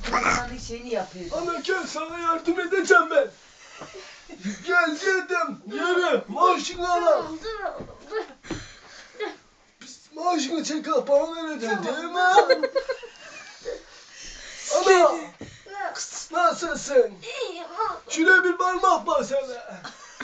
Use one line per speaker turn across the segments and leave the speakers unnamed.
Babanın şeyini yapıyor.
Ana gel sana yardım edeceğim ben. Gel dedim. Yürü. Maaşını al.
Tamam dur oğlum dur.
Maaşını çek al. Bana vereceksin değil mi? Ana. Nasılsın?
İyiyim oğlum.
Şuraya bir parmak bas hele.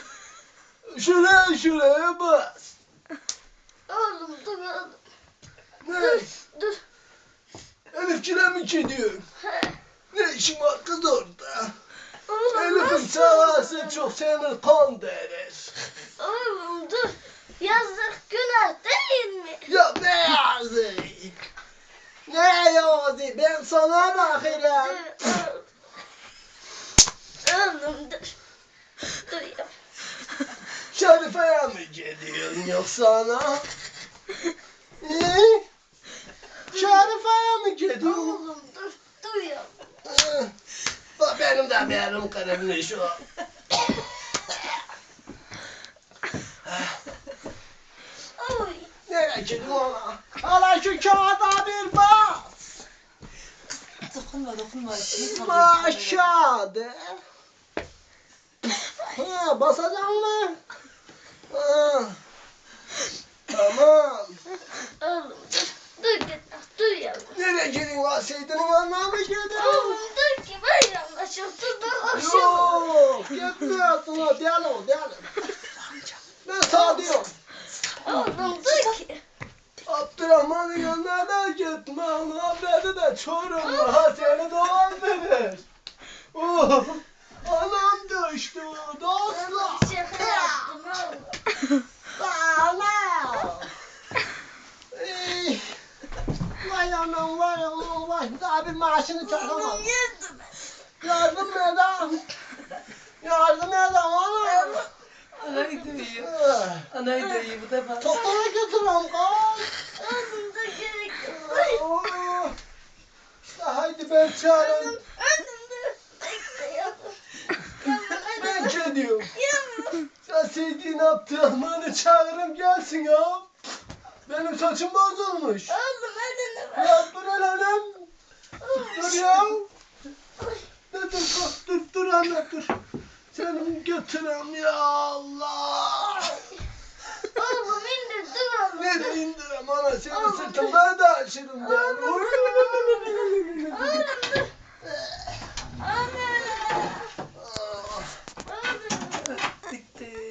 Şuraya bas.
Oğlum dur oğlum.
Ne?
Dur.
Elif'cile mi gidiyorsun? Ne işin var kız orada?
Oğlum
Elif'in
nasıl?
sağası çok seni kan derir.
Oğlum dur. Yazık günah değil mi?
Ya ne yazık? Ne yazık? Ben sana bakırım.
Oğlum dur. Dur ya.
Şerife'ye mi gidiyorsun yoksa ana? Şerife'ye mi gidiyorsun?
Oğlum dur. Dur ya.
Bak benim de benim kırılmış şu.
Oy.
Nereye gidiyorsun ana? Hala şu kağıda bir bas.
Dokunma.
Aşağıda. Ha, basacak mı? Ha. Tamam.
Oğlum dur. Dur git. Dur ya.
Nereye gidiyorsun lan? Seyit'in yanına mı gidiyorsun?
Oğlum dur ki ben yanlışım. Dur akşam.
Yok, gitmiyorsun ha. Diyelim. Ben sana diyorum.
Oğlum dur ki.
Abdurrahman'ın yanına da gitme. Onun haberi de Çorum'da. Ha seni dolandırır. Oh, anam düştü. Dostlar.
Oğlum şaka yaptım oğlum.
Anam. Vay anam vay. Daha bir maaşını çakamadım.
Oğlum yedim.
Yardım edin. Anam.
Anayı dövüyor. Anayı dövüyor bu defa.
Doktora götürüyorum kız.
Oğlum da gerek yok.
Oo. İşte haydi ben çağırayım.
Oğlum dur. Bekle yavrum.
Ben gidiyorum.
Yavrum.
Ya Seyit'in Abdurrahman'ı çağırırım gelsin ya. Benim saçım bozulmuş.
Oğlum hadi ne var?
Ya dur hanım. Dur ya. Dur anne dur. Seni götürem ya Allah.
Oğlum indir dur oğlum.
Nereye indirem ana seni sırtımda da aşırım ben.
Oğlum